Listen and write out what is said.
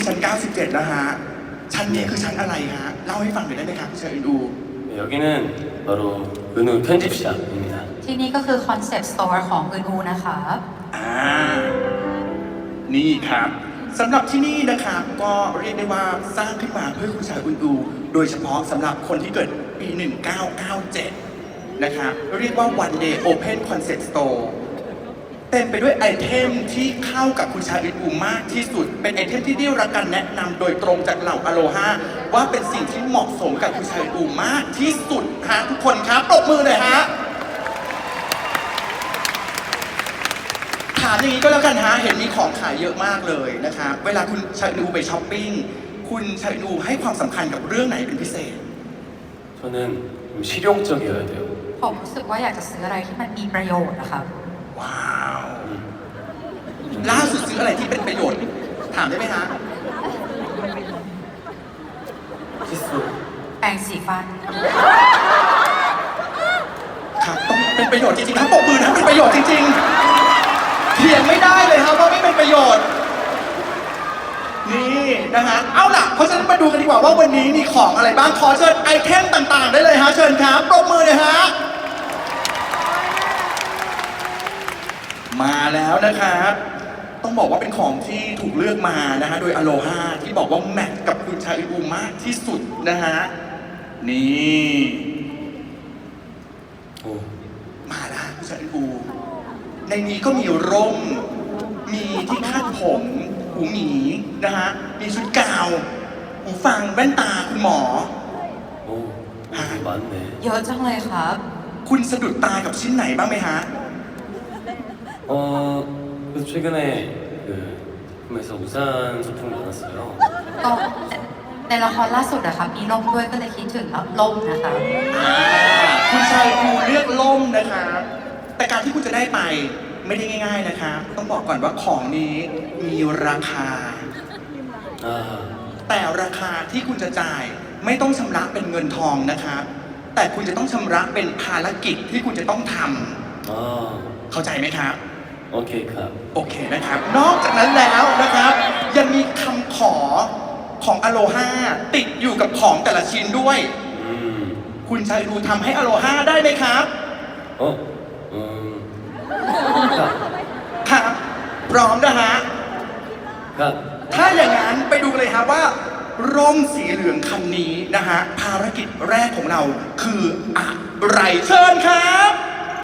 ชั้น97นะฮะชั้นนี้คือชั้นอะไรฮะเล่าให้ฟังหน่อยได้ไหมครับเชิญดู 여기는 바로 은우 편집샵입니다. ที่นี่ก็คือคอนเซ็ปต์สโตร์ของอื่นอูนะคะนี่ครับสำหรับที่นี่นะครับก็เรียกได้ว่าสร้างขึ้นมาเพื่อคุณชายอุนอูโดยเฉพาะสำหรับคนที่เกิดปี 1997 นะครับเรียกว่า One Day Open Concept Store เต็มไปด้วยไอเทมที่เข้ากับคุณชายอุนอูมากที่สุดเป็นไอเทมที่ได้รับการแนะนำโดยตรงจากเหล่าอโลฮาว่าเป็นสิ่งที่เหมาะสมกับคุณชายอุนอูมากที่สุดฮะทุกคนครับปรบมือเลยฮะถามอย่างนี้ก็แล้วกันฮะเห็นมีของขายเยอะมากเลยนะครับเวลาคุณชายอูไปช้อปปิ้งคุณชายอูให้ความสำคัญกับเรื่องไหนเป็นพิเศษ 저는 좀 실용적이어야 돼요. ผมรู้สึกว่าอยากจะซื้ออะไรที่มันมีประโยชน์นะคะว้าวล่าสุดซื้ออะไรที่เป็นประโยชน์ถามได้ไหมฮะ 칫솔. แปรงสีฟันครับต้องเป็นประโยชน์จริงๆครับปรบมือนะเป็นประโยชน์จริงๆเถียงไม่ได้เลยครับว่าไม่เป็นประโยชน์นี่นะฮะเอาล่ะเพราะฉะนั้นมาดูกันดีกว่าว่าวันนี้มีของอะไรบ้างขอเชิญไอเทมต่างๆได้เลยฮะเชิญครับปรบมือเลยฮะมาแล้วนะครับต้องบอกว่าเป็นของที่ถูกเลือกมานะฮะโดยอโลฮาที่บอกว่าแมทกับคุณชาอิอูมากที่สุดนะฮะนี่ 오. มาแล้วคุณชาอิอูในนี้ก็มีร่มมีที่คาดผมหูหมีนะฮะมีชุดกาวหูฟังแว่นตาคุณหมอ 오. 되게 많네. เยอะจังเลยครับคุณสะดุดตากับชิ้นไหนบ้างไหมฮะ 그래서 최근에 그 작품에서 우산 소품이 많았어요. ก็ในละครล่าสุดอะครับมีร่มด้วยก็เลยคิดถึงร่มนะคะคุณชายอูเลือกล่มนะครับแต่การที่คุณจะได้ไปไม่ได้ง่ายๆนะครับต้องบอกก่อนว่าของนี้มีราคา 아. แต่ราคาที่คุณจะจ่ายไม่ต้องชำระเป็นเงินทองนะครับแต่คุณจะต้องชำระเป็นภารกิจที่คุณจะต้องทำ 아. เข้าใจไหมครับ 오케이 컵. โอเคนะครับนอกจากนั้นแล้วนะครับยังมีคำขอของอโลฮาติดอยู่กับของแต่ละชิ้นด้วย คุณชายดูทำให้อโลฮาได้ไหมครับ 어? 컵. ครับพร้อมนะฮะ 컵. ถ้าอย่างนั้นไปดูกันเลยครับว่าร่มสีเหลืองคันนี้นะฮะภารกิจแรกของเราคืออะไรเชิญครับ